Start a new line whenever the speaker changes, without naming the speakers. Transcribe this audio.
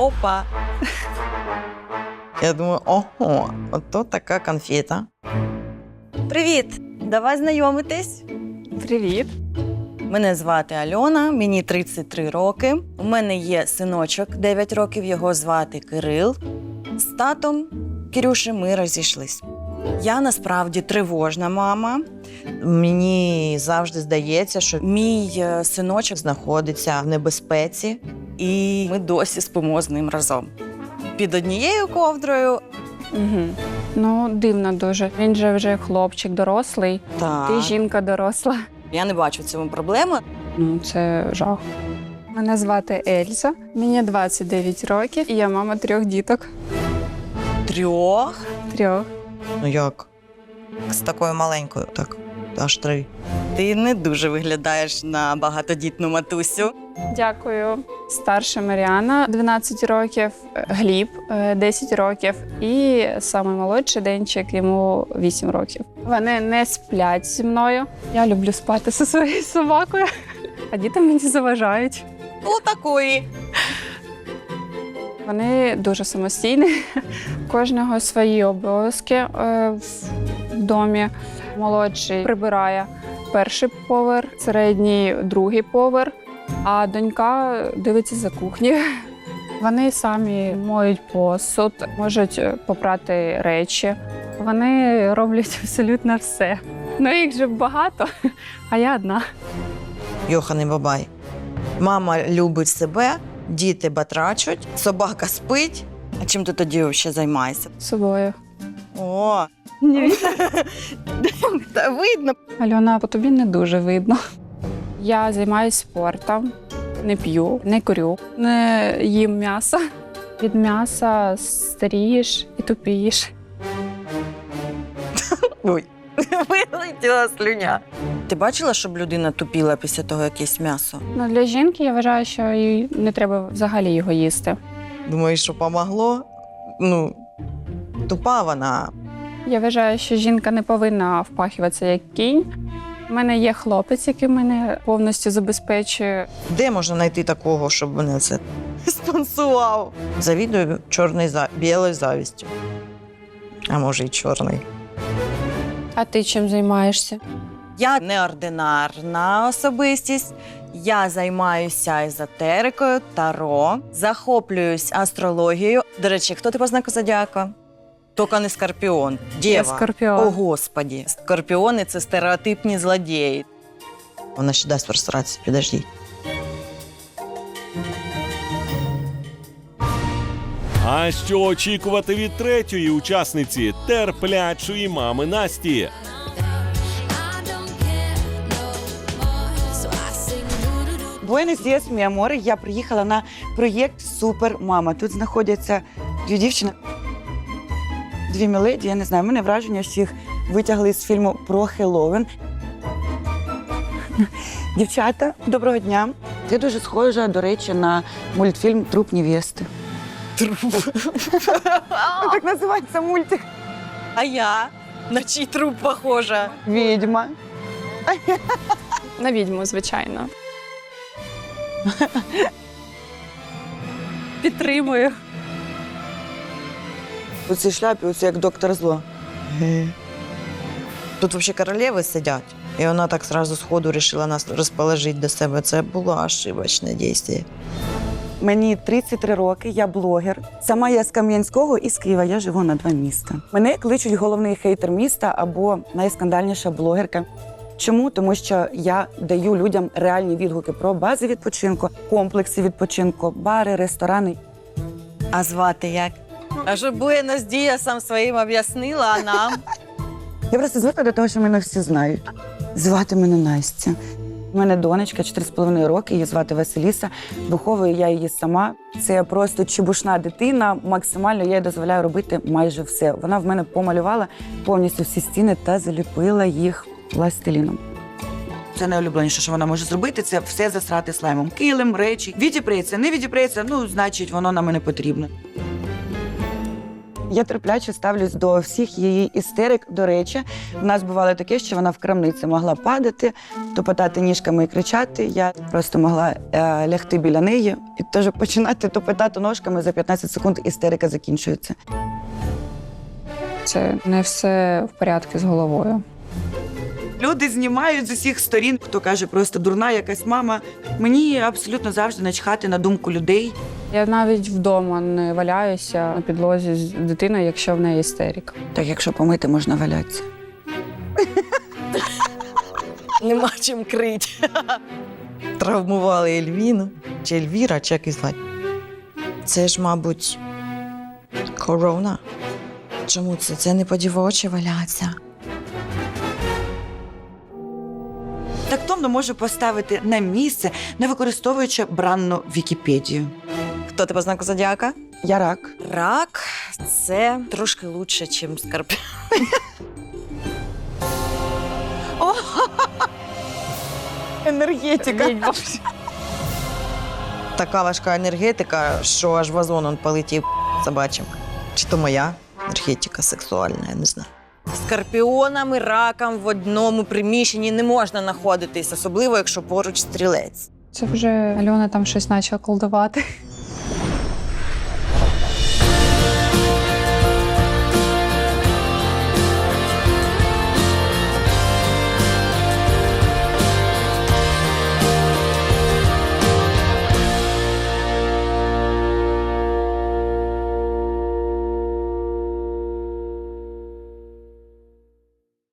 Опа! Я думаю, ого, ото така конфета. Привіт! Давай знайомитись.
Привіт.
Мене звати Альона, мені 33 роки. У мене є синочок 9 років, його звати Кирил. З татом Кирюші ми розійшлись. Я насправді тривожна мама. Мені завжди здається, що мій синочок знаходиться в небезпеці, і ми досі спимо з ним разом. Під однією ковдрою.
Угу. Ну, дивно дуже. Він же вже хлопчик дорослий, ти жінка доросла.
Я не бачу в цьому проблеми.
Ну, це жах. Мене звати Ельза, мені 29 років, і я мама 3 діток.
3?
3.
Ну як? З такою маленькою, так, аж 3. Ти не дуже виглядаєш на багатодітну матусю.
Дякую. Старша Маріана, 12 років, Гліб, 10 років і самий молодший Денчик, йому 8 років. Вони не сплять зі мною. Я люблю спати зі своєю собакою, а діти мені заважають.
Отакої.
Вони дуже самостійні, у кожного свої обов'язки в домі. Молодший прибирає перший поверх, середній другий поверх, а донька дивиться за кухнею. Вони самі моють посуд, можуть попрати речі. Вони роблять абсолютно все. Ну, їх же багато, а я одна.
Йоханий бабай. Мама любить себе, діти батрачуть, собака спить. А чим ти тоді ще займаєшся?
Собою.
О,
Ні.
та видно.
Альона, по тобі не дуже видно. Я займаюся спортом, не п'ю, не курю, не їм м'ясо. Від м'яса старієш і тупієш.
Ой, вилетіла слюня. Ти бачила, щоб людина тупіла після того якесь м'ясо?
Ну, для жінки я вважаю, що їй не треба взагалі його їсти.
Думаєш, що помогло? Ну, тупа вона.
Я вважаю, що жінка не повинна впахуватися як кінь. У мене є хлопець, який мене повністю забезпечує.
Де можна знайти такого, щоб мене це спонсував? Завідую білою завістю. А може, й чорний.
А ти чим займаєшся?
Я неординарна особистість. Я займаюся езотерикою, таро, захоплююсь астрологією. До речі, хто ти по знаку зодіака? Тільки не Скорпіон. Дєва.
Я Скорпіон.
О, Господі. Скорпіони – це стереотипні злодії. Вона ще дасть простратися, підождіть.
А що очікувати від третьої учасниці терплячої мами Насті?
Буенос Діас, мій аморе. Я приїхала на проєкт «Супер мама». Тут знаходяться 2 дівчини, 2 міледі, я не знаю, мене враження всіх витягли з фільму про Хеллоуін. Дівчата, доброго дня. Ти дуже схожа, до речі, на мультфільм «Труп невести». Так називається мультик.
А я? На чий труп похожа?
Відьма.
На відьму, звичайно. Підтримую.
У цій шляпі, оце як доктор Зло.
Тут взагалі королеви сидять. І вона так одразу сходу вирішила нас розположити до себе. Це було ошибочне дійство.
Мені 33 роки, я блогер. Сама я з Кам'янського і з Києва, я живу на 2 міста. Мене кличуть головний хейтер міста або найскандальніша блогерка. Чому? Тому що я даю людям реальні відгуки про бази відпочинку, комплекси відпочинку, бари, ресторани.
А звати як? А що Буенос Діасам своїм об'яснила, а нам?
Я просто звикла до того, що мене всі знають. Звати мене Настя. У мене донечка 4,5 роки, її звати Василіса. Виховую я її сама. Це просто чебушна дитина. Максимально я їй дозволяю робити майже все. Вона в мене помалювала повністю всі стіни та заліпила їх пластиліном. Це найулюбленіше, що вона може зробити, це все засрати слаймом. Килим, речі. Відіпреться, не відіпреться, ну, значить, воно нам і не потрібно. Я терпляче ставлюсь до всіх її істерик. До речі, в нас бувало таке, що вона в крамниці могла падати, топотати ніжками і кричати. Я просто могла лягти біля неї і теж починати топотати ножками. За 15 секунд істерика закінчується.
Це не все в порядку з головою.
Люди знімають з усіх сторін, хто каже, просто дурна якась мама. Мені абсолютно завжди начхати на думку людей.
Я навіть вдома не валяюся на підлозі з дитиною, якщо в неї істерика.
Так якщо помити, можна валятися.
Нема чим крити. Травмували Ельвіну, чи Ельвіра, чи як її звати. Це ж, мабуть, корона. Чому це? Це не по дівочі валяться.
Тактовно можу поставити на місце, не використовуючи бранну Вікіпедію.
Хто ти по знаку зодіака?
Я рак.
Рак – це трошки лучше, ніж скорпіон. Енергетика. Така важка енергетика, що аж вазон он полетів собачим. Чи то моя енергетика сексуальна, я не знаю. Скорпіонам і ракам в одному приміщенні не можна знаходитись, особливо, якщо поруч стрілець.
Це вже Альона там щось почала колдувати.